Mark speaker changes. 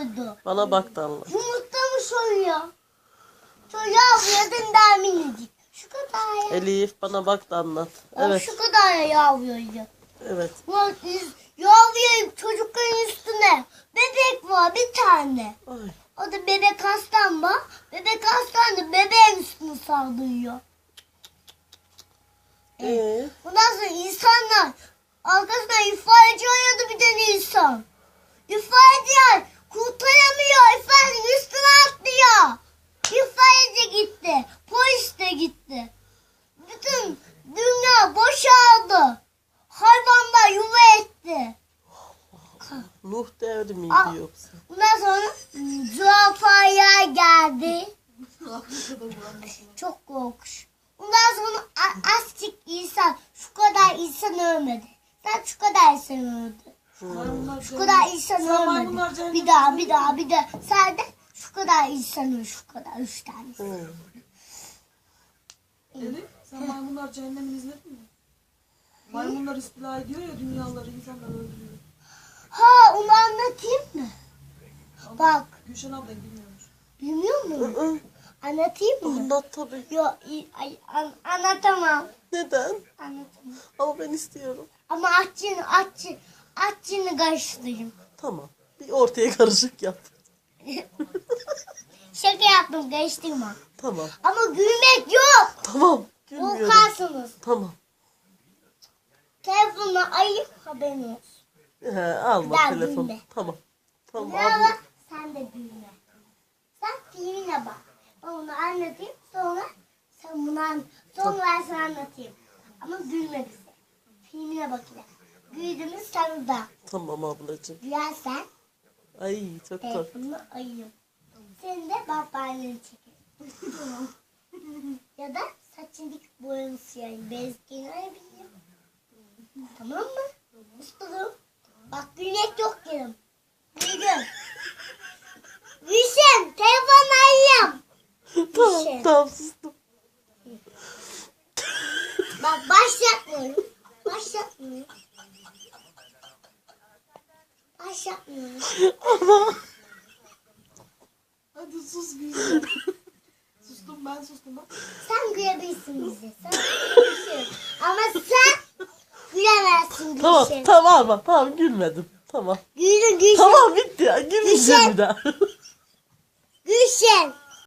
Speaker 1: yavruyordu.
Speaker 2: Bana bak da anlat.
Speaker 1: Yumurta mı soruyor? Çok yavruyordu daha minicik. Şu kadar ya.
Speaker 2: Elif bana bak da anlat.
Speaker 1: Ya
Speaker 2: Evet.
Speaker 1: şu kadar ya yavruyordu.
Speaker 2: Evet.
Speaker 1: Yavruyor çocukların üstüne. Bebek var bir tane.
Speaker 2: Ay.
Speaker 1: O da bebek hastam var. Bebek hastam da bebeğin üstüne saldırıyor. Bundan sonra insanlar arkasından ifadeci aradı bir tane insan. İfadeciler kurtaramıyor. İfadecinin üstüne atlıyor. İfadeci gitti. Polis de gitti. Bütün dünya boşaldı. Hayvanlar yuva etti.
Speaker 2: Nuh devri miydi yoksa?
Speaker 1: Bundan sonra zürafaya geldi. Çok korkunç. Bundan sonra azıcık insan, şu kadar insan ölmedi. Sen şu kadar insan öldü. Şu kadar insan ölmedi. Bir daha. Sen de şu kadar insan öldü. Şu kadar 3 tane.
Speaker 3: Elif, sen maymunlar cehennemini izledin mi? Maymunlar istila ediyor ya dünyaları, insanlar öldürüyor.
Speaker 1: Ha, onu anlatayım mı? Bak.
Speaker 3: Gülşen abla bilmiyormuş.
Speaker 1: Bilmiyor musun? Anlatayım mı?
Speaker 2: Anlat tabii.
Speaker 1: Yok, anlatamam.
Speaker 2: Neden?
Speaker 1: Anlatamam.
Speaker 2: Ama ben istiyorum.
Speaker 1: Ama atçını karıştırayım.
Speaker 2: Tamam. Bir ortaya karışık yap.
Speaker 1: Şaka yaptım, karıştırma.
Speaker 2: Tamam.
Speaker 1: Ama gülmek yok.
Speaker 2: Tamam. Gülmüyorum.
Speaker 1: Korkarsınız.
Speaker 2: Tamam.
Speaker 1: Telefonla ayıp haberin olsun.
Speaker 2: Alma
Speaker 1: Ben
Speaker 2: telefon.
Speaker 1: gülme.
Speaker 2: Tamam. Tamam.
Speaker 1: Merhaba,
Speaker 2: Abla.
Speaker 1: sen de gülme. Sen filmine bak. Ben onu anlatayım, sonra sen bunu sonra ben sana anlatayım. Ama gülme bize. Filmine bak yine. Güldüğümüz sana da.
Speaker 2: Tamam ablacığım.
Speaker 1: Gülersen
Speaker 2: Ay çok korktum.
Speaker 1: telefonunu ayırım. Senin de babaanneni çekerim. Ya da saçını dik boyanı siyahım. Bezgini arayabilirim. Tamam mı? Ustalım. Bak gülmek yok yerim. Güldüm. Gülşen telefonunu ayırım.
Speaker 2: Tamam. Tamam sustum.
Speaker 1: Bak başlatmıyorum. Başlatmıyorum.
Speaker 2: Ama.
Speaker 3: Hadi sus Gülşen. Sustum ben sustum bak.
Speaker 1: Sen gülebilirsin bize. Sen gülebilirsin. Ama sen gülemezsin
Speaker 2: Tamam.
Speaker 1: Gülşen.
Speaker 2: Tamam. Tamam gülmedim. Tamam.
Speaker 1: Gülün Gülşen.
Speaker 2: Tamam bitti ya. Gülmeyeceğim bir daha.
Speaker 1: Gülşen.